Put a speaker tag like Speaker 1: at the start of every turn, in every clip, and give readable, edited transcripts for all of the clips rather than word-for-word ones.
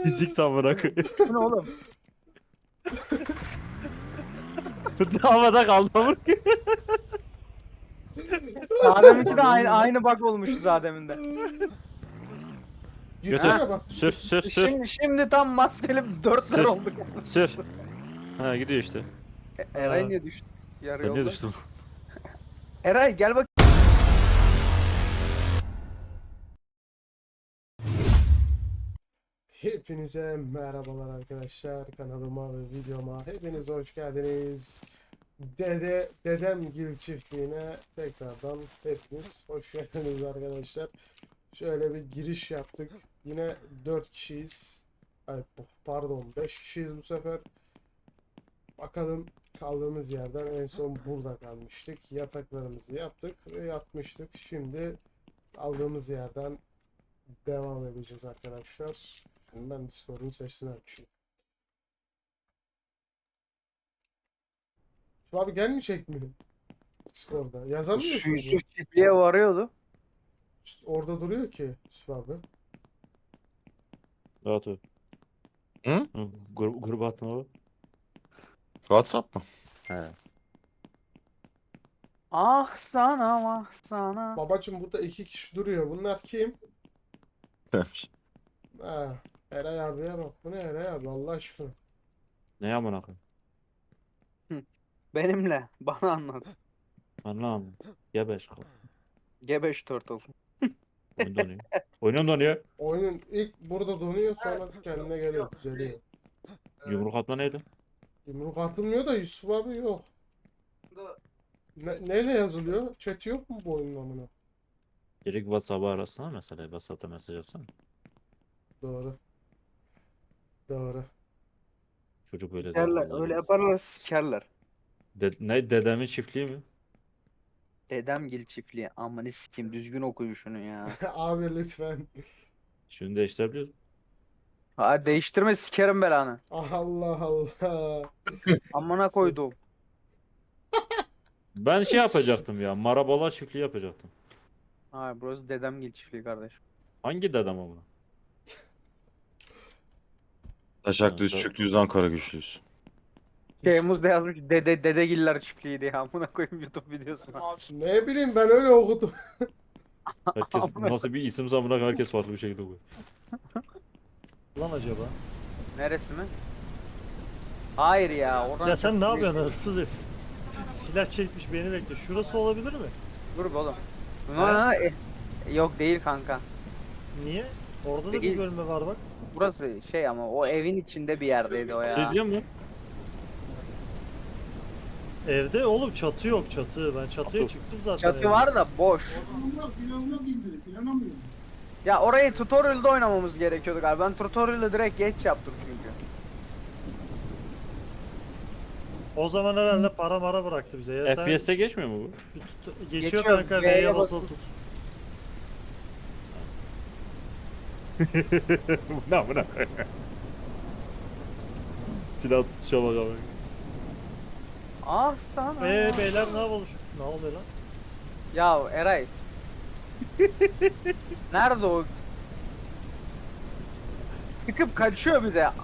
Speaker 1: Fizik samına koyayım.
Speaker 2: Bu ne oğlum?
Speaker 1: Havada kaldı amına koyayım.
Speaker 2: Daha deminki de aynı bug olmuştu daha demin de.
Speaker 1: Götür.
Speaker 3: Gitsene bak.
Speaker 1: Sür sür sür.
Speaker 2: Şimdi tam maskeli dörtler
Speaker 1: Sür.
Speaker 2: olduk.
Speaker 1: Sür. Ha gidiyor işte.
Speaker 2: Eray niye düştü? Yarı
Speaker 1: Ben niye
Speaker 2: yolda.
Speaker 1: düştüm?
Speaker 2: Eray gel bak.
Speaker 3: Hepinize merhabalar arkadaşlar. Kanalıma ve videoma hepiniz hoş geldiniz. Dedemgil çiftliğine tekrardan hepiniz hoş geldiniz arkadaşlar. Şöyle bir giriş yaptık. Yine 4 kişiyiz. Ay, pardon 5 kişiyiz bu sefer. Bakalım kaldığımız yerden en son burada kalmıştık. Yataklarımızı yaptık ve yatmıştık. Şimdi kaldığımız yerden devam edeceğiz arkadaşlar. Şimdi ben Discord'un sesini açayım. Şu abi gelmeyecek mi? Discord'da. Yazamıyorsun.
Speaker 2: Şu Yusuf çiftliğe varıyordu.
Speaker 3: Orada duruyor ki Yusuf abi.
Speaker 1: Rahat ol.
Speaker 4: Hı?
Speaker 1: Gruba atma o.
Speaker 4: WhatsApp mı?
Speaker 1: He.
Speaker 2: Ah sana ah sana.
Speaker 3: Babacım burada 2 kişi duruyor. Bunlar kim?
Speaker 4: Demiş.
Speaker 3: Ha, Eray abiye bak. Bu ne Eray abi Allah aşkına.
Speaker 1: Ne amına koyayım?
Speaker 2: Benimle. Bana anlat.
Speaker 1: Anlam. Ya beş kal.
Speaker 2: Gebeş turtle.
Speaker 1: Oyun donuyor. Oyunum donuyor.
Speaker 3: Oyunun ilk burada donuyor sonra kendine geliyor. Düzeliyor.
Speaker 1: Yumruk atma neydi?
Speaker 3: Yumruk atılmıyor da Yusuf abi yok. Neyle yazılıyor? Chat yok mu bu oyunun amına?
Speaker 1: Direkt WhatsApp'a arasana mesela. WhatsApp'ta mesaj atsana.
Speaker 3: Doğru. Doğru.
Speaker 1: Çocuk böyle der.
Speaker 2: Sikerler.
Speaker 1: vallahi
Speaker 2: Öyle
Speaker 1: billahi.
Speaker 2: yaparlar sikerler.
Speaker 1: Ne dedemin çiftliği mi?
Speaker 2: Dedemgil çiftliği. Aman sikeyim düzgün okuyun şunu ya.
Speaker 3: Abi lütfen.
Speaker 1: Şunu değiştirebiliyoruz.
Speaker 2: Ha değiştirme sikerim belanı.
Speaker 3: Allah Allah.
Speaker 2: Amına koydum.
Speaker 1: Ben şey yapacaktım ya. Marabola çiftliği yapacaktım.
Speaker 2: Hayır burası dedemgil çiftliği kardeşim.
Speaker 1: Hangi dedem amına?
Speaker 4: Taşak düz,
Speaker 1: Nasıl?
Speaker 4: çük düz, Ankara güçlüyüz.
Speaker 2: Şeyimiz de yazmış dedegiller çiftliği diye amına koyayım YouTube videosuna.
Speaker 3: Ne bileyim ben öyle okudum.
Speaker 1: Herkes nasıl bir isim zamına herkes farklı bir şekilde koyuyor.
Speaker 5: Lan acaba?
Speaker 2: Neresi mi? Hayır ya oradan
Speaker 5: Ya sen ne
Speaker 2: çok-
Speaker 5: yapıyorsun hırsız herif? Silah çekmiş beni bekle. Şurası olabilir mi?
Speaker 2: Dur be oğlum. Yok değil kanka.
Speaker 5: Niye? Orada da bir
Speaker 2: Değil.
Speaker 5: bölme var bak.
Speaker 2: Burası şey ama o evin içinde bir yerdeydi o
Speaker 1: Şey
Speaker 2: ya.
Speaker 1: biliyor musun?
Speaker 5: Evde oğlum çatı yok çatı. Ben çatıya
Speaker 1: Çatı.
Speaker 5: çıktım zaten.
Speaker 2: Çatı
Speaker 5: evde.
Speaker 2: var da boş. Ya orayı tutorial'da oynamamız gerekiyordu galiba. Ben tutorial'ı direkt geç yaptım çünkü.
Speaker 5: O zaman herhalde para mara bıraktı bize. Ya sen
Speaker 1: FPS'e geçmiyor mu bu?
Speaker 5: geçiyor
Speaker 2: Geçiyor,
Speaker 5: kanka
Speaker 2: V'ye
Speaker 5: V'ye basılı
Speaker 2: basılı.
Speaker 5: tut.
Speaker 1: Bu ne amına koyayım? Silah tutuşa bak abi.
Speaker 2: Ah sana.
Speaker 5: Beyler ne yapalım? Ne oluyor lan?
Speaker 2: Ya Eray. Nerede o? Çıkıp kaçıyor bir de.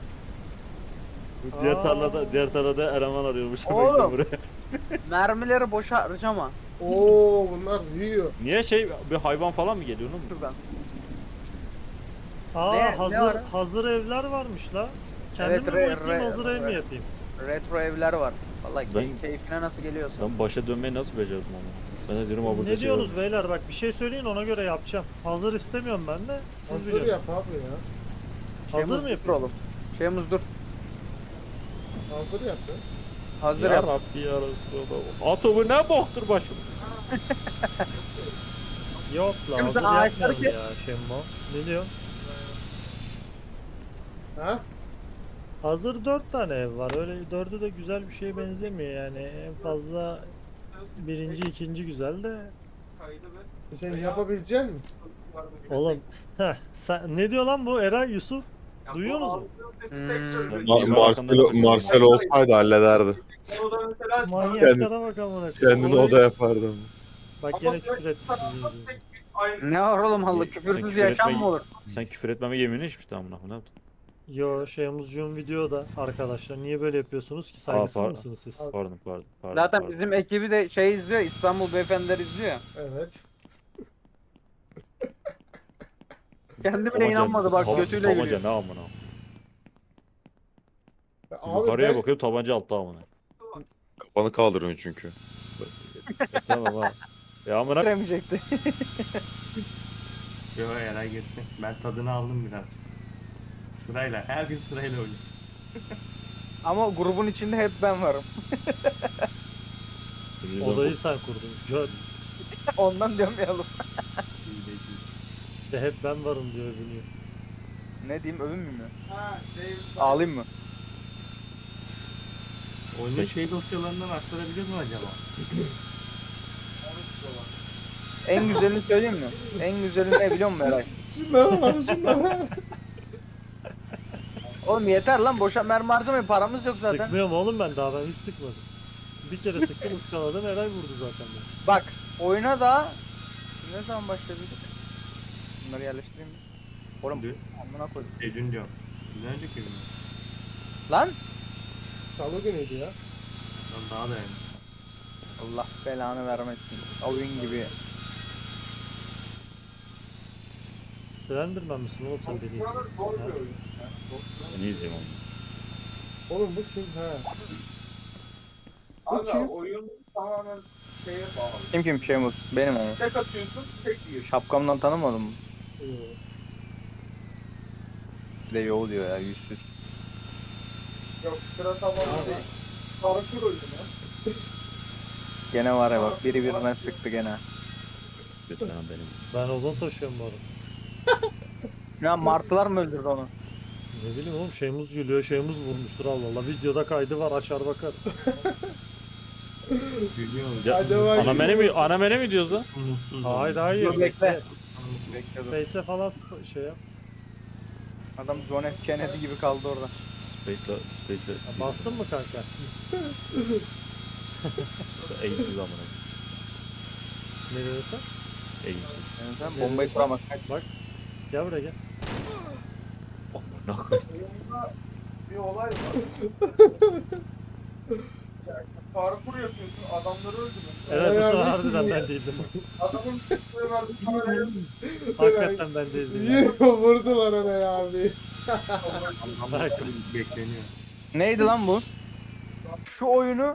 Speaker 1: Diğer tarlada eleman arıyormuş.
Speaker 2: Oğlum.
Speaker 1: Buraya.
Speaker 2: Mermileri boşa harcama.
Speaker 3: Oo bunlar büyüyor.
Speaker 1: Niye bir hayvan falan mı geliyor oğlum?
Speaker 2: Şuradan.
Speaker 5: Aa
Speaker 2: Ne
Speaker 5: hazır
Speaker 2: var?
Speaker 5: hazır evler varmış la. Kendim
Speaker 2: Evet,
Speaker 5: mi boyutlayayım hazır ev mi
Speaker 2: re-
Speaker 5: yapayım?
Speaker 2: Retro evler var. Vallahi
Speaker 1: Ben-
Speaker 2: keyfine nasıl geliyorsa.
Speaker 1: Ben başa dönmeyi nasıl becerdim ama? Ben de diyorum abi
Speaker 5: Ne diyorsunuz beyler bak bir şey söyleyin ona göre yapacağım. Hazır istemiyorum ben de. Siz
Speaker 3: Hazır
Speaker 5: biliyorsunuz.
Speaker 3: yap abi ya.
Speaker 5: Hazır mı
Speaker 2: Dur
Speaker 5: yapayım?
Speaker 2: oğlum. Şeyimiz dur.
Speaker 3: Hazır yap ya.
Speaker 2: Hazır
Speaker 1: Ya
Speaker 2: yap.
Speaker 1: Rabbi ya Resulallah. Atomu ne boktur başım?
Speaker 5: Yok la
Speaker 2: Şimdi
Speaker 5: hazır
Speaker 2: ağaçları
Speaker 5: yapmayalım ya Şemmo. Ne diyorsun?
Speaker 3: Ha?
Speaker 5: Hazır 4 tane ev var. Öyle 4'ü de güzel bir şeye benzemiyor yani. En fazla birinci, ikinci güzel de.
Speaker 3: Sen yapabilecek misin?
Speaker 5: Oğlum sen, ne diyor lan bu Eray Yusuf? Duyuyorsunuz mu?
Speaker 4: Marcel olsaydı hallederdi.
Speaker 5: Manyaklara bak amına koyayım.
Speaker 4: Kendini
Speaker 5: Olay-
Speaker 4: o da yapardı.
Speaker 5: Bak gene küfür etti sizi yüzünüzden.
Speaker 2: Ne var oğlum Allah
Speaker 1: Sen
Speaker 2: küfürsüz
Speaker 1: küfür
Speaker 2: yaşam
Speaker 1: etme-
Speaker 2: mı olur?
Speaker 1: Sen küfür etmeme yeminini içmiştin amına koyayım. Ne yaptın?
Speaker 5: Yo Şeyhmuzcuğum videoda arkadaşlar. Niye böyle yapıyorsunuz ki? Saygısız
Speaker 1: par-
Speaker 5: mısınız siz?
Speaker 1: Pardon.
Speaker 2: Zaten
Speaker 1: Pardon.
Speaker 2: bizim ekibi de şey izliyor. İstanbul Beyefendiler izliyor.
Speaker 3: Evet.
Speaker 2: Kendi bile inanmadı bak götüyle
Speaker 1: Tabanca
Speaker 2: gülüyor.
Speaker 1: ne amına.
Speaker 3: Abi
Speaker 1: Yukarıya
Speaker 3: ben
Speaker 1: bakıyorum tabanca altta amına.
Speaker 4: Kafanı kaldırıyorsun çünkü.
Speaker 1: Tamam ha. Ya amına
Speaker 2: Bitiremeyecekti.
Speaker 6: Yo Eray geçsin. Ben tadını aldım biraz. Sırayla. Her gün sırayla oynayacağım.
Speaker 2: Ama grubun içinde hep ben varım.
Speaker 5: Odayı sen kurdun. Gör.
Speaker 2: Ondan demeyelim.
Speaker 6: İyi de iyi.
Speaker 5: De hep ben varım diyor övünüyor.
Speaker 2: Ne diyeyim övünmeyeyim mi? Ağlayayım mı?
Speaker 6: Oyunun şey dosyalarından aktarabiliyor mu acaba?
Speaker 2: En güzelini söyleyeyim mi? En güzelini ne biliyor musun Eray?
Speaker 3: şunlara bak şunlara.
Speaker 2: Oğlum yeter lan boşa mermi harcamayın paramız yok zaten.
Speaker 5: Sıkmıyorum oğlum ben daha ben hiç sıkmadım. Bir kere sıktım ıskaladım Eray vurdu zaten beni.
Speaker 2: Bak oyuna da ne zaman başladık? Bunları yerleştireyim mi? Oğlum
Speaker 6: Dün.
Speaker 2: amına koydum.
Speaker 6: Dün diyorum. Bir önceki gün.
Speaker 2: Lan
Speaker 3: Salı günüydü ya.
Speaker 6: Lan daha da yani.
Speaker 2: Allah belanı vermesin. Oyun gibi.
Speaker 5: Slenderman misin oğlum sen beni izliyorsun? Ha?
Speaker 1: ne izleyeyim onu.
Speaker 3: Oğlum bu kim? Ha. Bu kim?
Speaker 2: Kim Şeymuz? Benim ama.
Speaker 7: Tek atıyorsun, tek yiyor.
Speaker 2: Şapkamdan tanımadın mı?
Speaker 3: Yo.
Speaker 2: Bir de yo diyor ya yüzsüz.
Speaker 7: Yok sıra tamam değil. Parkur oyunu ya.
Speaker 2: Gene var ya bak biri birine sıktı gene.
Speaker 1: Lütfen benim.
Speaker 5: Ben odun taşıyorum bu arada.
Speaker 2: Ya martılar mı öldürdü onu?
Speaker 5: Ne bileyim oğlum Şeyhmuz gülüyor Şeyhmuz vurmuştur Allah Allah. Videoda kaydı var açar bakarız.
Speaker 6: Gülüyorum.
Speaker 1: Ya,
Speaker 3: Acaba
Speaker 1: ana mene mi diyoruz lan?
Speaker 6: Mutsuz.
Speaker 5: Hayır
Speaker 6: oldum.
Speaker 5: hayır.
Speaker 2: Dur bekle.
Speaker 5: Bekle.
Speaker 2: Bekle dur.
Speaker 5: Face'e falan şey yap.
Speaker 2: Adam John F. Kennedy gibi kaldı orada.
Speaker 1: Space'le.
Speaker 5: Ya bastın mı kanka?
Speaker 1: Eğimsiz amına.
Speaker 5: Ne dedin sen?
Speaker 1: Eğimsiz.
Speaker 2: Yani sen bombayı kuramazsın.
Speaker 5: Bak. Gel buraya gel.
Speaker 1: Amına.
Speaker 7: Oyunda bir olay var. Parkur yapıyorsun, adamları öldürüyorsun.
Speaker 5: Evet bu
Speaker 3: Ay
Speaker 5: sefer
Speaker 3: abi.
Speaker 5: harbiden ben değildim.
Speaker 7: Adamın çıktığı verdi kamerayı.
Speaker 5: Hakikaten ben değildim. ya.
Speaker 3: Yine vurdular ona ya abi.
Speaker 6: Ama bekleniyor.
Speaker 2: Neydi lan bu? Şu oyunu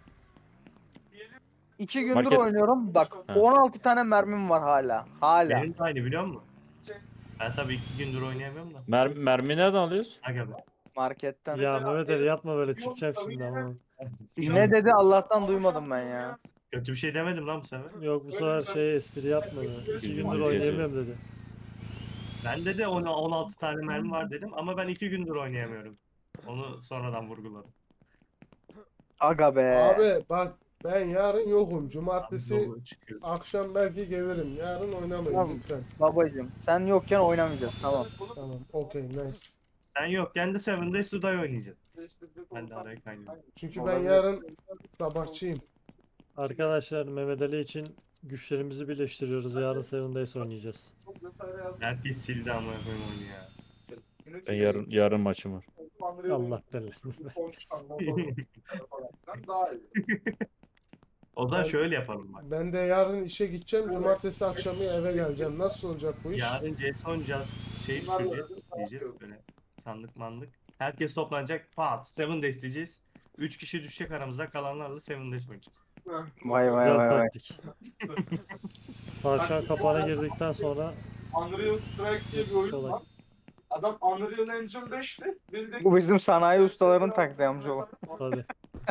Speaker 2: 2 gündür
Speaker 1: Market.
Speaker 2: oynuyorum. Bak
Speaker 1: Ha.
Speaker 2: 16 tane mermim var hala. Hala.
Speaker 6: Benim de aynı biliyor musun? Ben tabii 2 gündür oynayamıyorum da.
Speaker 1: Mermi nereden alıyoruz?
Speaker 6: Aga be.
Speaker 2: Marketten.
Speaker 5: Ya Mehmet Ali yapma böyle çıkacağım şimdi ama.
Speaker 2: Ne dedi Allah'tan duymadım ben ya.
Speaker 6: Kötü bir şey demedim lan bu sefer.
Speaker 5: Yok bu sefer şey espri yapmadı. 2 gündür oynayamıyorum dedi.
Speaker 6: Ben de 16 tane mermi var dedim ama ben 2 gündür oynayamıyorum. Onu sonradan vurguladım.
Speaker 2: Aga be.
Speaker 3: Abi bak ben yarın yokum. Cumartesi
Speaker 6: Dolu çıkıyor.
Speaker 3: akşam belki gelirim. Yarın oynamayın
Speaker 2: Tamam.
Speaker 3: lütfen.
Speaker 2: Babacım sen yokken oynamayacağız tamam.
Speaker 3: Tamam. Okey nice.
Speaker 6: Sen yokken de Seven Days to Die oynayacağız. Ben de araya kaynıyorum.
Speaker 3: Çünkü ben yarın sabahçıyım.
Speaker 5: Arkadaşlar Mehmet Ali için güçlerimizi birleştiriyoruz. Yarın Seven Days oynayacağız.
Speaker 6: Herkes sildi ama yapayım oyunu ya.
Speaker 1: Ben yarın maçım var.
Speaker 5: Allah belasını versin.
Speaker 7: Daha iyi.
Speaker 6: O zaman şöyle yapalım bak.
Speaker 3: Ben de yarın işe gideceğim. Cumartesi akşamı eve geleceğim. Nasıl olacak bu iş?
Speaker 6: Yarın CS oynayacağız. Şey düşüreceğiz. Diyeceğiz böyle. Sandık mandık. Herkes toplanacak. Pat. Seven Days diyeceğiz. 3 kişi düşecek aramızda. Kalanlarla Seven Days oynayacağız.
Speaker 2: Vay vay
Speaker 5: Biraz
Speaker 2: vay vay.
Speaker 5: taktik. Tavşan kapağına girdikten sonra
Speaker 7: Unreal Strike diye bir oyun
Speaker 5: kolay.
Speaker 7: var. Adam Unreal Engine 5'ti. Bildik.
Speaker 2: Bu bizim sanayi ustaların taktiği amcaoğlu.
Speaker 5: Tabii.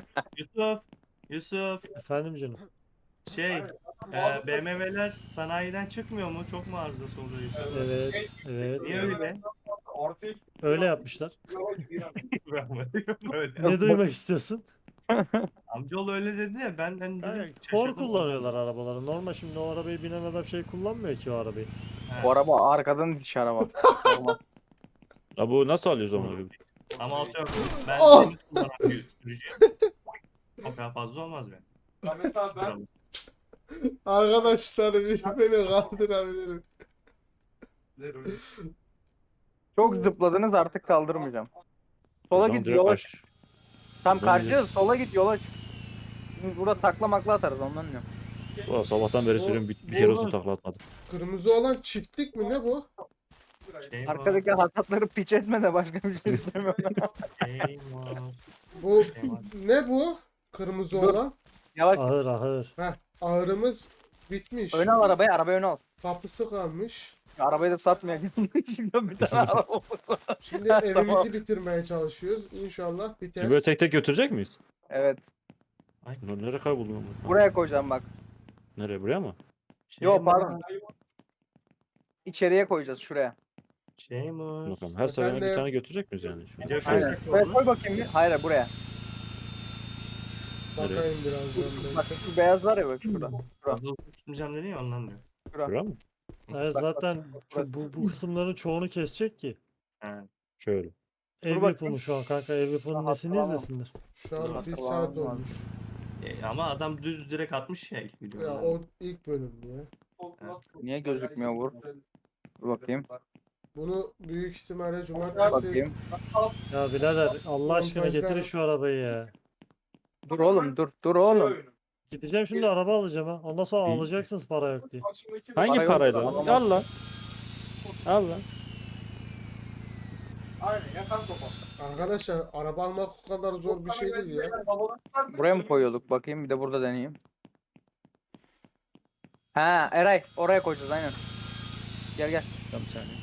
Speaker 6: Yusuf.
Speaker 5: Efendim canım.
Speaker 6: Şey. BMW'ler sanayiden çıkmıyor mu? Çok mu arızası oluyor Yusuf?
Speaker 5: Evet. Evet.
Speaker 6: Niye öyle be?
Speaker 7: Ortaya
Speaker 5: Öyle yapmışlar.
Speaker 6: Öyle.
Speaker 5: Ne duymak istiyorsun?
Speaker 6: Amcaoğlu öyle dedi ya ben dedim.
Speaker 5: Kor
Speaker 6: şaşırdım.
Speaker 5: kullanıyorlar arabaları. Normal şimdi o arabayı binen adam şey kullanmıyor ki o arabayı.
Speaker 6: He.
Speaker 2: Bu araba arkadan diş araba. Normal.
Speaker 1: Ya bu nasıl alıyoruz onu?
Speaker 6: Ama atıyorum ben
Speaker 3: Oh!
Speaker 6: temiz kullanan bir sürücüyüm. O kadar fazla olmaz be.
Speaker 7: Ya mesela ben
Speaker 3: Arkadaşlar bir beni kaldırabilirim.
Speaker 2: Çok zıpladınız artık kaldırmayacağım. Sola
Speaker 1: Tamam,
Speaker 2: git
Speaker 1: direkt
Speaker 2: yola
Speaker 1: aş-
Speaker 2: çık. Tam
Speaker 1: Buradan
Speaker 2: karşıya
Speaker 1: gidiyoruz.
Speaker 2: sola git yola çık. Şimdi burada takla makla atarız ondan diyorum.
Speaker 1: Ulan sabahtan beri sürüyorum bir kere olsun takla atmadım.
Speaker 3: Kırmızı olan çiftlik mi ne bu?
Speaker 6: Şey var.
Speaker 2: Arkadaki hasatları piç etme de başka bir şey istemiyorum.
Speaker 6: Şey var.
Speaker 3: Bu
Speaker 6: Şey var.
Speaker 3: ne bu? Kırmızı
Speaker 2: Dur.
Speaker 3: olan.
Speaker 2: Yavaş.
Speaker 5: Ahır ahır.
Speaker 3: Heh, ağrımız bitmiş.
Speaker 2: Öne al arabayı, arabayı öne al.
Speaker 3: Kapısı kalmış.
Speaker 2: Arabayı da satmayalım. Şimdi bir tane araba oldu.
Speaker 3: Şimdi evimizi bitirmeye çalışıyoruz. İnşallah biter.
Speaker 1: Şimdi böyle tek tek götürecek miyiz?
Speaker 2: Evet.
Speaker 1: Lan nereye kayboldun lan bu?
Speaker 2: Buraya koyacağım bak.
Speaker 1: Nereye, buraya mı?
Speaker 6: Şey
Speaker 2: Yo
Speaker 6: var.
Speaker 2: pardon. İçeriye koyacağız şuraya.
Speaker 6: Şey var.
Speaker 1: Bakalım her seferinde bir
Speaker 3: Efendim?
Speaker 1: tane götürecek miyiz yani? Şu-
Speaker 6: Video
Speaker 2: Aynen.
Speaker 6: şöyle
Speaker 2: Buraya
Speaker 6: oldu.
Speaker 2: koy bakayım bir. Hayır buraya.
Speaker 3: Bakayım birazdan.
Speaker 2: Bak şu beyaz var ya bak şurada.
Speaker 6: Fazla tutmayacağım dedi ya ondan diyor.
Speaker 1: Şuraya mı?
Speaker 5: Evet, zaten bu kısımların çoğunu kesecek ki.
Speaker 6: He.
Speaker 1: Şöyle.
Speaker 5: Ev
Speaker 2: bak-
Speaker 5: yapımı şu an kanka, ev yapımının nesini
Speaker 2: Tamam.
Speaker 5: izlesinler.
Speaker 3: Şu an bir
Speaker 2: Tamam,
Speaker 3: saat
Speaker 2: tamam.
Speaker 3: olmuş.
Speaker 6: Ama adam düz direkt atmış ya ilk videoda.
Speaker 3: Ya o ilk bölüm ya.
Speaker 2: Niye gözükmüyor vur? Dur bakayım.
Speaker 3: Bunu büyük ihtimalle cumartesi
Speaker 2: Bakayım.
Speaker 5: Ya birader Allah aşkına
Speaker 3: Montajlar-
Speaker 5: getirin şu arabayı ya.
Speaker 2: Dur oğlum dur. Dur oğlum.
Speaker 5: Gideceğim şimdi araba alacağım ha. Ondan sonra
Speaker 1: İyi.
Speaker 5: alacaksınız para yok diye.
Speaker 1: Hangi
Speaker 2: Para yok,
Speaker 1: parayla?
Speaker 2: alamam.
Speaker 1: Al lan. Al lan.
Speaker 7: Aynen yakan topa.
Speaker 3: arkadaşlar araba almak o kadar zor bir şey değil ya.
Speaker 2: Buraya mı koyuyorduk? Bakayım bir de burada deneyeyim. Ha Eray oraya koyacağız aynen. Gel gel.
Speaker 1: Tamam bir saniye.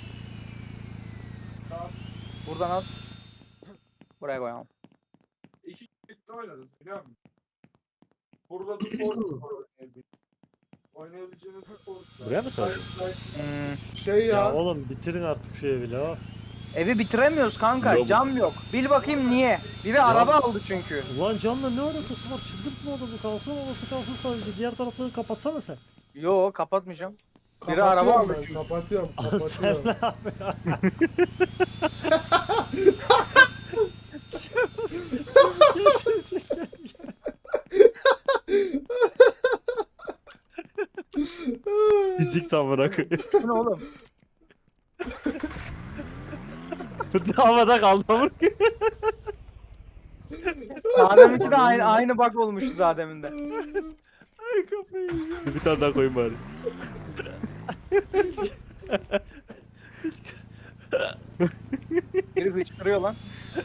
Speaker 2: Buradan al. Buraya koyalım.
Speaker 7: İki kişi oynadınız biliyor musun? Burada bir spor oynayabileceğiniz spor.
Speaker 1: Buraya mı sardın?
Speaker 3: Şey
Speaker 5: Ya
Speaker 3: ya.
Speaker 5: oğlum bitirin artık şu evi la.
Speaker 2: Evi bitiremiyoruz kanka.
Speaker 1: Yok.
Speaker 2: Cam yok. Bil bakayım niye? Biri araba aldı çünkü.
Speaker 5: Ulan canla ne alakası var? Çıldırtma adamı, kalsın olası kalsın sadece. Diğer tarafları kapatsana sen.
Speaker 2: Yo kapatmayacağım. Biri
Speaker 3: Kapatıyorum
Speaker 2: araba aldı
Speaker 3: ben,
Speaker 2: çünkü.
Speaker 3: kapatıyorum.
Speaker 5: Sen
Speaker 3: Kapatıyorum.
Speaker 5: ne yapıyorsun?
Speaker 1: Fizik samına koyayım.
Speaker 2: Bu ne oğlum?
Speaker 1: Havada kaldı ama.
Speaker 2: Adem'inki de aynı bug olmuştu daha deminde.
Speaker 5: Ay kafayı yiyeceğim.
Speaker 1: Bir tane daha koyayım bari.
Speaker 2: Biri hıçkırıyor lan.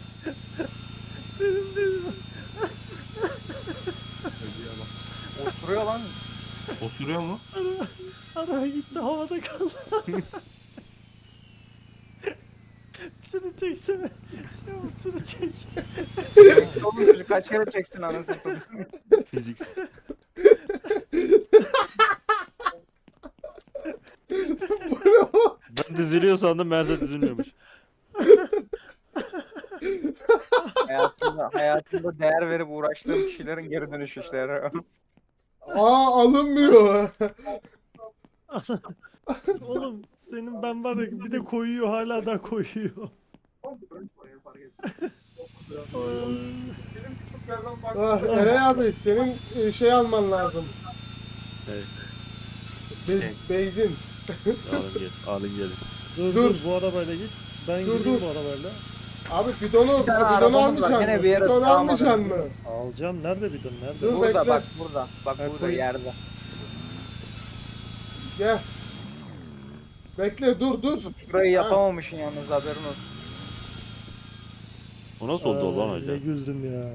Speaker 2: Oturuyor lan.
Speaker 6: Osuruyor mu?
Speaker 5: Araba gitti havada kaldı. Şunu çeksene. Şunu çek.
Speaker 2: Oğlum çocuk kaç kere çeksin anasını satayım.
Speaker 1: Fizik. Ben diziliyor sandım, meğerse dizilmiyormuş.
Speaker 2: Hayatımda değer verip uğraştığım kişilerin geri dönüş işleri.
Speaker 3: Aa alınmıyor.
Speaker 5: Oğlum senin ben var ya bir de koyuyor, hala da koyuyor.
Speaker 3: Ah, Eray abi senin şey alman lazım.
Speaker 1: Evet.
Speaker 3: Benzin.
Speaker 1: Alın gel, alın gelin.
Speaker 5: Dur
Speaker 3: Dur.
Speaker 5: dur bu arabayla git. Ben
Speaker 3: Dur,
Speaker 5: gideyim
Speaker 3: dur.
Speaker 5: bu arabayla.
Speaker 3: Abi bidonu
Speaker 2: Bir tane
Speaker 3: bidonu
Speaker 2: arabamız var,
Speaker 3: almayacaksın
Speaker 2: gene
Speaker 3: mı?
Speaker 2: bir yere
Speaker 3: Bidonu
Speaker 2: sığamadı.
Speaker 3: almayacaksın mı?
Speaker 5: Alacağım, nerede bidon nerede?
Speaker 3: Dur.
Speaker 2: Burada
Speaker 3: bekle.
Speaker 2: bak burada. Bak
Speaker 5: Ha,
Speaker 2: burada
Speaker 5: koy.
Speaker 2: yerde.
Speaker 3: Gel. Bekle dur.
Speaker 2: Şurayı yapamamışsın yalnız haberin olsun.
Speaker 1: O nasıl oldu lan
Speaker 5: Ne
Speaker 1: öyle?
Speaker 5: güldüm ya.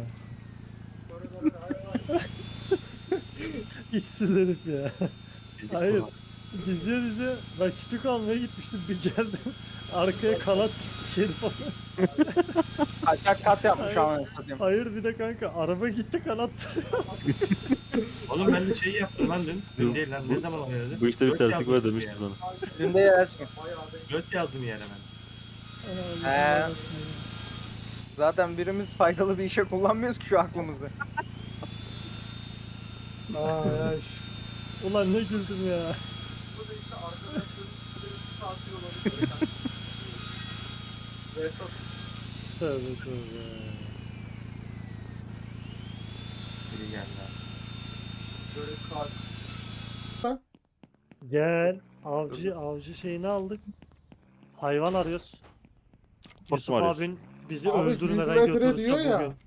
Speaker 5: İşsiz herif ya.
Speaker 6: Fizik
Speaker 5: Hayır.
Speaker 6: falan.
Speaker 5: Diziye ben kütük almaya gitmiştim, bir geldim. Arkaya kanat çıkmış herif falan.
Speaker 2: Kaçak kat yapmış anasını satayım.
Speaker 5: Hayır bir de kanka araba gitti kanat.
Speaker 6: Oğlum ben de şey yaptım lan dün. Dün değil lan. Ne zaman oynadı?
Speaker 1: Bu işte bir
Speaker 6: Göt
Speaker 1: terslik
Speaker 6: yazdım
Speaker 1: var
Speaker 6: bir
Speaker 1: demiştim
Speaker 6: yere.
Speaker 1: sana.
Speaker 2: Dün de yersin.
Speaker 6: Göt yazdım yere ben.
Speaker 2: Zaten birimiz faydalı bir işe kullanmıyoruz ki şu aklımızı.
Speaker 3: Ay ay.
Speaker 5: Ulan ne güldüm ya. Tövbe tövbe.
Speaker 6: Biri geldi.
Speaker 5: Gel. Avcı şeyini aldık. Hayvan arıyoruz. Yusuf
Speaker 1: arıyorsun?
Speaker 5: abin bizi
Speaker 3: Abi, 100
Speaker 5: öldürmeden
Speaker 3: metre
Speaker 5: götürürse
Speaker 3: diyor ya.
Speaker 5: bugün.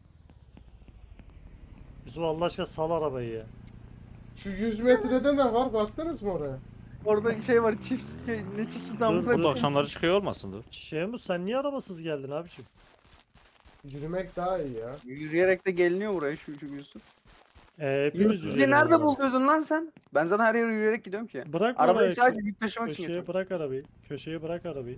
Speaker 5: Yusuf Allah aşkına sal arabayı ya.
Speaker 3: Şu 100 metrede ne var? Baktınız mı oraya?
Speaker 2: Orada şey var çift ne çift
Speaker 5: Dur,
Speaker 2: damla.
Speaker 1: Burada akşamları çıkıyor olmasın da.
Speaker 5: Şehmus sen niye arabasız geldin abiciğim?
Speaker 3: Yürümek daha iyi ya.
Speaker 2: Yürüyerek de geliniyor buraya şu Yusuf.
Speaker 5: Hepimiz
Speaker 2: Yusuf'u
Speaker 5: yürüyelim o
Speaker 2: nerede
Speaker 5: zaman.
Speaker 2: buluyordun lan sen? Ben zaten her yere yürüyerek gidiyorum ki.
Speaker 5: Bırak
Speaker 2: Arabayı
Speaker 5: orayı.
Speaker 2: sadece yük taşımak için
Speaker 5: Köşeye
Speaker 2: getiriyorum.
Speaker 5: bırak arabayı. Köşeye bırak arabayı.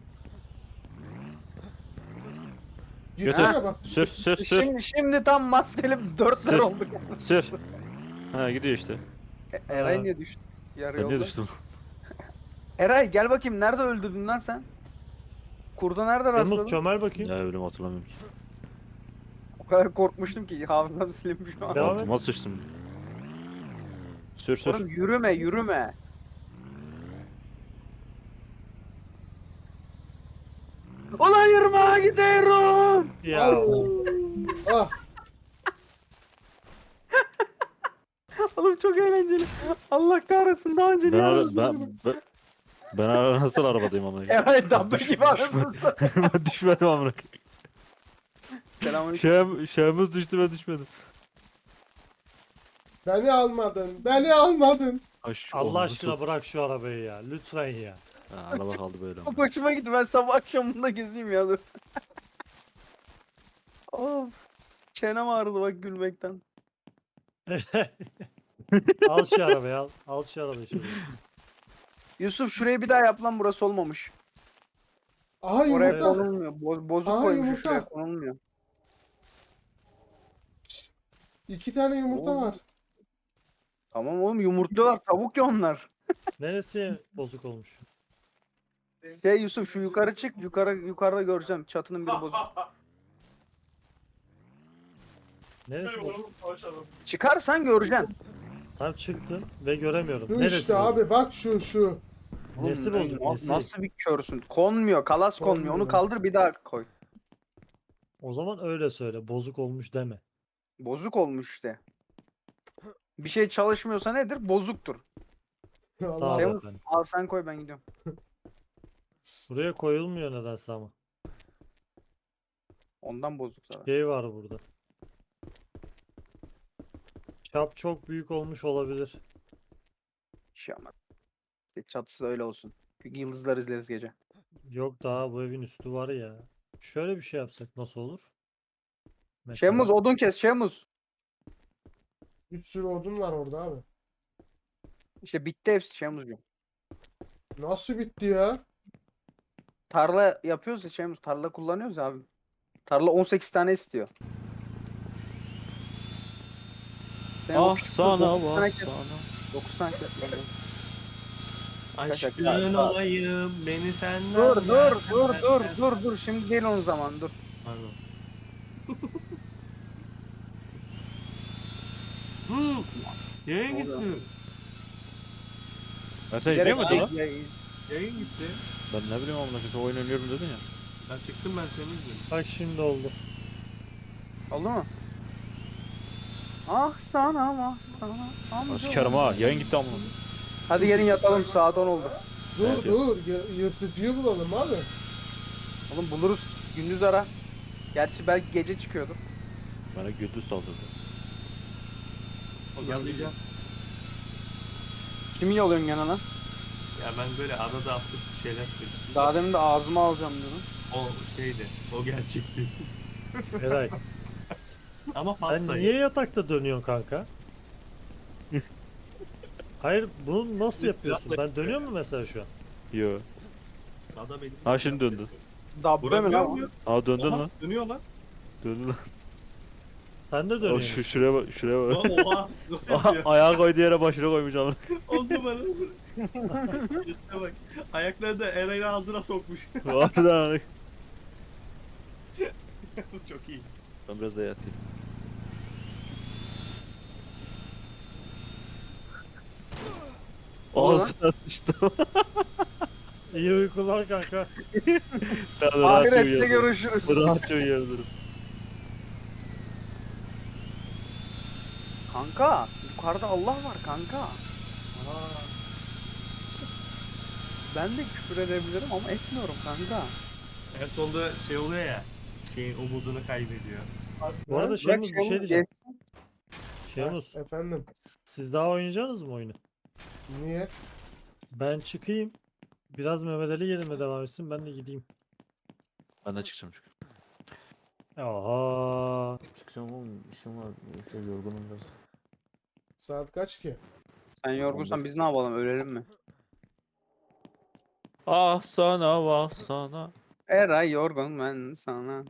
Speaker 3: Gitsene bak.
Speaker 1: Sür sür sür
Speaker 2: Şimdi tam maskeli dörtler
Speaker 1: Sür.
Speaker 2: olduk.
Speaker 1: sür. Ha gidiyor işte.
Speaker 2: Eray
Speaker 5: Ha.
Speaker 2: niye düştü? Yarı
Speaker 1: Ben
Speaker 2: yolda.
Speaker 1: niye düştüm?
Speaker 2: Eray gel bakayım nerede öldürdün lan sen? Kurda nerede
Speaker 5: Yumruk
Speaker 2: rastladın?
Speaker 5: çömel bakayım.
Speaker 1: Ya ölüm hatırlamıyorum ki.
Speaker 2: O kadar korkmuştum ki hafızam silinmiş şu an.
Speaker 5: Devam et.
Speaker 1: Altıma sıçtım. Sür sür.
Speaker 2: Oğlum yürüme. Ulan yürüme gidiyorum.
Speaker 5: Ya
Speaker 3: Ah,
Speaker 2: Oğlum çok eğlenceli. Allah kahretsin daha önce
Speaker 1: Ben
Speaker 2: niye
Speaker 1: ara,
Speaker 2: anlatmadın?
Speaker 1: ben ara nasıl arabadayım amına koyayım?
Speaker 2: Eray dabbe gibi anasını.
Speaker 1: Ben düşmedim amına koyayım.
Speaker 2: Selamünaleyküm.
Speaker 1: Şeyimiz düştü ben düşmedim.
Speaker 3: beni almadın. Beni almadın.
Speaker 1: Ay, şu
Speaker 5: Allah
Speaker 1: oğlumu
Speaker 5: aşkına
Speaker 1: tut.
Speaker 5: bırak şu arabayı ya. Lütfen ya.
Speaker 1: Ha, araba kaldı böyle
Speaker 2: Çok
Speaker 1: amına.
Speaker 2: hoşuma gitti. Ben sabah akşam bunda gezeyim ya dur. Of. Çenem ağrıdı bak gülmekten.
Speaker 5: Al şu arabayı al. Al şu arabayı şöyle.
Speaker 2: Yusuf şurayı bir daha yap lan burası olmamış.
Speaker 3: Aha
Speaker 2: Oraya
Speaker 3: yumurta.
Speaker 2: konulmuyor. Bozuk
Speaker 3: Aa,
Speaker 2: koymuş
Speaker 3: yumurta.
Speaker 2: şuraya konulmuyor.
Speaker 3: 2 tane yumurta
Speaker 2: Oo.
Speaker 3: var.
Speaker 2: Tamam oğlum yumurtluyorlar tavuk ya onlar.
Speaker 5: Neresi bozuk olmuş?
Speaker 2: Şey Yusuf şu yukarı çık yukarıda göreceğim çatının biri bozuk.
Speaker 5: Neresi bozuk?
Speaker 2: Çıkarsan göreceksin.
Speaker 5: Tam çıktım ve göremiyorum.
Speaker 3: Şu
Speaker 5: Neresi
Speaker 3: işte
Speaker 5: bozuk?
Speaker 3: abi bak şu.
Speaker 5: Nesi
Speaker 2: Oğlum,
Speaker 5: bozuk,
Speaker 2: na-
Speaker 5: nesi?
Speaker 2: Nasıl bir körsün? Konmuyor kalas konmuyor. Onu
Speaker 3: Konmuyor.
Speaker 2: kaldır bir daha koy.
Speaker 5: O zaman öyle söyle. Bozuk olmuş deme.
Speaker 2: Bozuk olmuş işte. Bir şey çalışmıyorsa nedir? Bozuktur.
Speaker 3: Allah.
Speaker 5: Tamam
Speaker 2: Temmuz-
Speaker 5: efendim.
Speaker 2: Al sen koy ben gidiyorum.
Speaker 5: Buraya koyulmuyor nedense ama.
Speaker 2: Ondan bozuk zaten.
Speaker 5: Şey var burada. Çap çok büyük olmuş olabilir.
Speaker 2: Şey ama. İşte çatısı da öyle olsun. Yıldızlar izleriz gece.
Speaker 5: Yok daha bu evin üstü var ya. Şöyle bir şey yapsak nasıl olur? Mesela
Speaker 2: Şemuz odun kes Şemuz.
Speaker 3: Bir sürü odun var orada abi.
Speaker 2: İşte bitti hepsi Şemuzcuğum.
Speaker 3: Nasıl bitti ya?
Speaker 2: Tarla yapıyoruz ya Şemuz. Tarla kullanıyoruz ya abi. Tarla 18 tane istiyor. Sen
Speaker 1: Ah
Speaker 2: 9
Speaker 1: sana
Speaker 2: tane
Speaker 1: vah
Speaker 2: kes.
Speaker 1: sana.
Speaker 2: 9 tane kes.
Speaker 6: Aşkın olayım beni senden.
Speaker 2: Dur. Şimdi değil onun zaman dur.
Speaker 6: Pardon. Yayın gitti.
Speaker 1: Ben sen
Speaker 2: Gerek
Speaker 1: izliyor muydun lan?
Speaker 2: değil.
Speaker 6: Yayın gitti.
Speaker 1: Ben ne bileyim amına koyayım. Sen oyun oynuyorum dedin ya.
Speaker 6: Ben çıktım ben seni izliyorum.
Speaker 5: bak şimdi oldu.
Speaker 2: Oldu mu? Ah sana
Speaker 1: Ben sikerim ha. Yayın gitti amına.
Speaker 2: Hadi gelin yatalım saat 10 oldu.
Speaker 3: Dur
Speaker 1: Evet.
Speaker 3: dur. Yırtıcıyı bulalım abi.
Speaker 2: Oğlum buluruz. Gündüz ara. Gerçi belki gece çıkıyordur.
Speaker 1: Bana gündüz saldırdı.
Speaker 6: Yalayacağım.
Speaker 2: Kimi yalıyorsun gene lan?
Speaker 6: Ya ben böyle arada hafta şeyler söyledim.
Speaker 2: Daha demin de ağzıma alacağım diyordum.
Speaker 6: O şeydi. O gerçekti.
Speaker 5: Eray
Speaker 6: Ama
Speaker 5: sen
Speaker 6: pastayı.
Speaker 5: niye yatakta dönüyorsun kanka? Hayır bunu nasıl yapıyorsun? Ben dönüyor mu mesela şu an?
Speaker 1: Yo.
Speaker 6: Ada benim.
Speaker 1: Ha şimdi döndü.
Speaker 2: Dabbe mi
Speaker 6: Vuramıyor
Speaker 2: lan?
Speaker 6: muyum?
Speaker 1: Aa döndün
Speaker 6: Oha,
Speaker 1: lan.
Speaker 6: dönüyor lan.
Speaker 1: Döndü lan.
Speaker 5: Sen de
Speaker 1: O
Speaker 5: dönüyorsun.
Speaker 1: şuraya bak şuraya bak.
Speaker 6: Oha nasıl
Speaker 1: Aha,
Speaker 6: yapıyor?
Speaker 1: ayağı koyduğu yere başına koymuş amına.
Speaker 6: Oldu bana. Üstüne bak. Ayaklarını da Eray'ın ağzına sokmuş.
Speaker 1: Harbiden.
Speaker 6: Çok iyi.
Speaker 1: Ben biraz da yatayım. Ağzına sıçtım.
Speaker 5: İyi uykular kanka.
Speaker 1: Ben de rahatça
Speaker 2: Ahirette
Speaker 1: uyuyabilirim.
Speaker 2: görüşürüz.
Speaker 1: Rahatça uyuyabilirim.
Speaker 2: Kanka yukarıda Allah var kanka. Ben de küfür edebilirim ama etmiyorum kanka.
Speaker 6: En sonunda şey oluyor ya. Şeyin umudunu kaybediyor.
Speaker 5: Bu arada
Speaker 3: Ha?
Speaker 5: Şemus bir şey diyeceğim. Şemus
Speaker 3: Efendim.
Speaker 5: siz daha oynayacaksınız mı oyunu?
Speaker 3: Niye?
Speaker 5: Ben çıkayım. Biraz Mehmet Ali yerime devam etsin, ben de gideyim.
Speaker 1: Ben de çıkacağım çünkü.
Speaker 5: Aha.
Speaker 1: Çıkacağım oğlum. İşim var. Şey yorgunum biraz.
Speaker 3: Saat kaç ki?
Speaker 2: Sen yorgunsan biz ne yapalım, ölelim mi?
Speaker 1: Ah sana vah sana.
Speaker 2: Eray yorgun ben sana.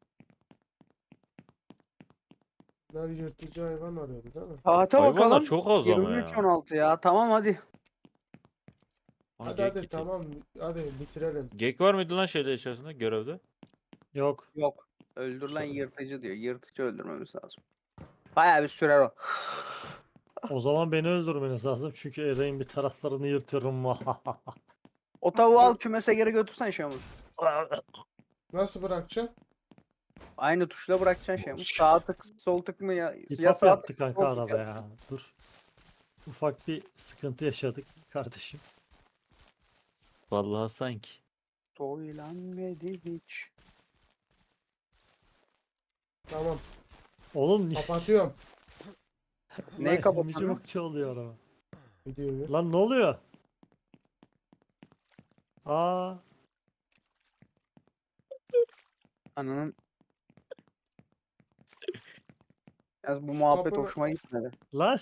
Speaker 3: Bunlar yırtıcı hayvan arıyordu değil mi?
Speaker 2: Saate
Speaker 1: Hayvanlar
Speaker 2: bakalım.
Speaker 1: çok az ama ya.
Speaker 2: 23.16 ya. Tamam hadi.
Speaker 1: Ha,
Speaker 3: Hadi
Speaker 1: geyik
Speaker 3: hadi
Speaker 1: gitti.
Speaker 3: tamam. Hadi bitirelim.
Speaker 1: Geyik var mıydı lan şeyde içerisinde görevde?
Speaker 5: Yok.
Speaker 2: Yok. Öldürülen yırtıcı diyor. Yırtıcı öldürmemiz lazım. Bayağı bir sürer o.
Speaker 5: O zaman beni öldürmeniz lazım çünkü Eray'ın bir taraflarını yırtıyorum.
Speaker 2: O tavuğu al kümese geri götürsen Şamur.
Speaker 3: Nasıl bırakacağım?
Speaker 2: Aynı tuşla bırakacaksın Şamur. Sağ tık sol tık mı ya?
Speaker 5: Hip
Speaker 2: Ya
Speaker 5: hop
Speaker 2: sağ
Speaker 5: yaptı
Speaker 2: tık
Speaker 5: kanka
Speaker 2: sol tık
Speaker 5: araba
Speaker 2: yap.
Speaker 5: ya. Dur. Ufak bir sıkıntı yaşadık kardeşim.
Speaker 1: Vallahi sanki.
Speaker 2: Söylenmedi hiç.
Speaker 3: Tamam.
Speaker 5: Oğlum
Speaker 3: Kapatıyorum
Speaker 2: Neyi
Speaker 5: Lan
Speaker 2: kapatıyorsun?
Speaker 5: ilginç bakıyor oluyor araba.
Speaker 3: videoyu.
Speaker 5: Lan ne oluyor? Aa,
Speaker 2: Ananın. Yalnız bu
Speaker 3: Şu
Speaker 2: muhabbet
Speaker 3: kapı-
Speaker 2: hoşuma gitmedi.
Speaker 5: lan.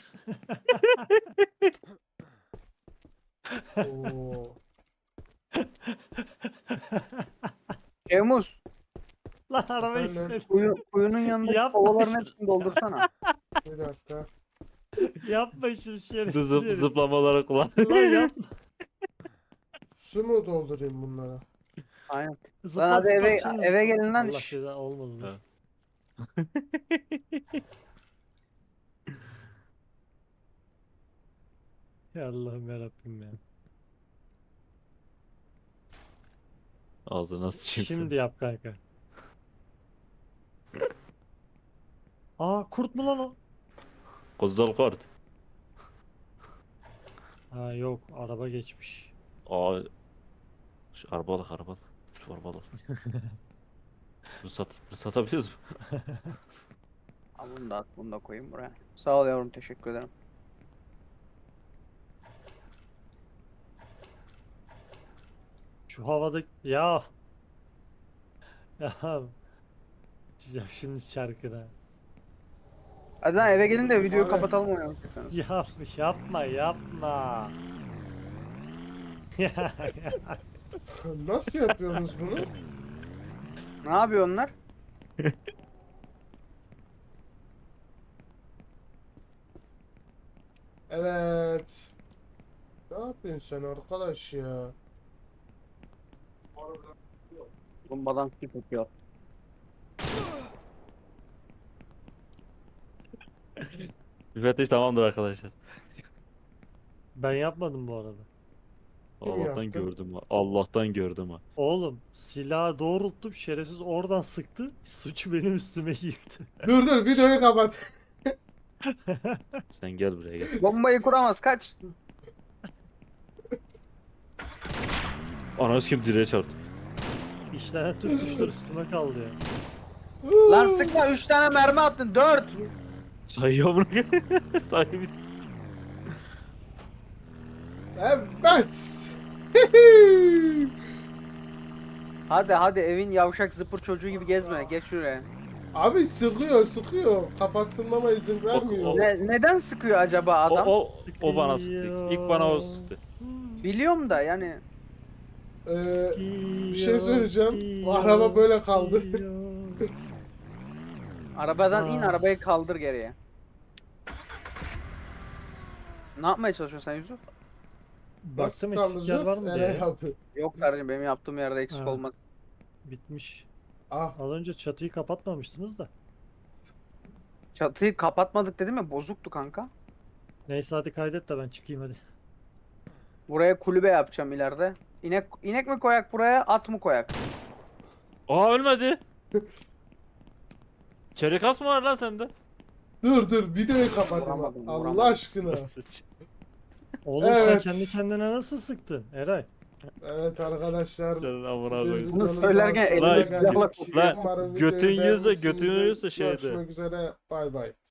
Speaker 3: Oo.
Speaker 2: Şemus,
Speaker 5: Lan arabayı
Speaker 3: Efendim?
Speaker 5: istedi.
Speaker 2: kuyunun yanındaki
Speaker 5: Yapma
Speaker 2: kovaların
Speaker 5: şunu.
Speaker 2: hepsini doldursana.
Speaker 3: Bir dakika.
Speaker 5: Yapma şunu şerefsiz herif.
Speaker 1: Zıplamalara kullan.
Speaker 5: Lan yapma.
Speaker 3: Su mu doldurayım bunlara?
Speaker 2: Aynen. Lan
Speaker 5: Zıpla
Speaker 2: hadi
Speaker 5: zıpla
Speaker 2: eve,
Speaker 5: şimdi
Speaker 2: eve
Speaker 5: zıpla.
Speaker 2: gelin lan.
Speaker 5: Allah
Speaker 2: Şş.
Speaker 5: ceza olmadı. Dur.
Speaker 1: Evet.
Speaker 5: Ya Allah'ım yarabbim ya.
Speaker 1: Ağzına sıçayım
Speaker 5: Şimdi
Speaker 1: seni.
Speaker 5: yap kanka. Aa, kurt mu lan o?
Speaker 1: Kuzdal kort.
Speaker 5: Ha yok, araba geçmiş.
Speaker 1: Aa. Arabalık arabalık. Şu arabalık. Satabiliriz mi?
Speaker 2: Al bunu da at, bunu da koyayım buraya. Sağ ol yavrum, teşekkür ederim.
Speaker 5: Şu havada ya. Ya. Ya şimdi şarkına.
Speaker 2: Hadi lan eve gelin de videoyu
Speaker 3: Abi.
Speaker 2: kapatalım oynayacaksanız.
Speaker 5: Yapma yapma. Ya, ya.
Speaker 3: Nasıl yapıyorsunuz bunu?
Speaker 2: Ne yapıyor onlar?
Speaker 3: Evet. Ne yapıyorsun sen arkadaş ya?
Speaker 2: Bombadan skip atıyor.
Speaker 1: Müfettiş tamamdır arkadaşlar.
Speaker 5: Ben yapmadım bu arada.
Speaker 3: Kim
Speaker 1: Allah'tan
Speaker 3: yaptı?
Speaker 1: gördüm ha. Allah'tan gördüm ha.
Speaker 5: Oğlum silahı doğrulttum, şerefsiz oradan sıktı. Suçu benim üstüme yıktı.
Speaker 3: Dur videoyu kapat.
Speaker 1: Sen gel buraya gel.
Speaker 2: Bombayı kuramaz, kaç.
Speaker 1: Ananı kim direğe çarptı.
Speaker 5: İşlenen tüm suçlar üstüme kaldı ya.
Speaker 2: Lan sıkma, 3 tane mermi attın, 4.
Speaker 1: Sayıyor bunu. Sahibi.
Speaker 3: Evet.
Speaker 2: Hadi hadi, evin yavşak zıpır çocuğu gibi gezme, geç şuraya.
Speaker 3: Abi sıkıyor. Kapattırmama izin vermiyor.
Speaker 2: Neden sıkıyor acaba
Speaker 1: O,
Speaker 2: adam?
Speaker 1: o bana sıktı. İlk bana o sıktı.
Speaker 2: Biliyorum da yani.
Speaker 3: Bir şey söyleyeceğim. Bu araba böyle kaldı.
Speaker 2: Arabadan in,
Speaker 5: Aa.
Speaker 2: arabayı kaldır geriye. Ne yapmaya çalışıyorsun sen Yusuf?
Speaker 3: Nasıl
Speaker 5: Baktım eksikler var
Speaker 3: kaldıracağız?
Speaker 5: mı
Speaker 3: Eray
Speaker 5: diye.
Speaker 3: abi.
Speaker 2: Yok kardeşim, benim yaptığım yerde eksik
Speaker 5: Ha.
Speaker 2: olmaz.
Speaker 5: Bitmiş.
Speaker 3: Ah.
Speaker 5: Az önce çatıyı kapatmamıştınız da.
Speaker 2: Çatıyı kapatmadık dedim ya, bozuktu kanka.
Speaker 5: Neyse hadi kaydet de ben çıkayım hadi.
Speaker 2: Buraya kulübe yapacağım ileride. İnek mi koyak buraya, at mı koyak?
Speaker 1: Aa ölmedi. Çelik mı var lan sende?
Speaker 3: Dur videoyu kapatayım.
Speaker 2: Vuramadım,
Speaker 3: Allah
Speaker 2: vuramadım.
Speaker 3: aşkına.
Speaker 5: Oğlum sen
Speaker 3: Evet.
Speaker 5: kendi kendine nasıl sıktın Eray?
Speaker 3: Evet arkadaşlar.
Speaker 1: Senin amına
Speaker 3: bir
Speaker 1: koyayım.
Speaker 3: videonun
Speaker 2: söylerken
Speaker 3: daha sonuna
Speaker 1: elinde
Speaker 3: geldik.
Speaker 1: silahla
Speaker 3: Umarım
Speaker 1: götün
Speaker 3: videoyu
Speaker 1: yiyorsa
Speaker 3: beğenmişsinizdir.
Speaker 1: götün yiyorsa şeyde.
Speaker 3: Görüşmek üzere. Bay bay.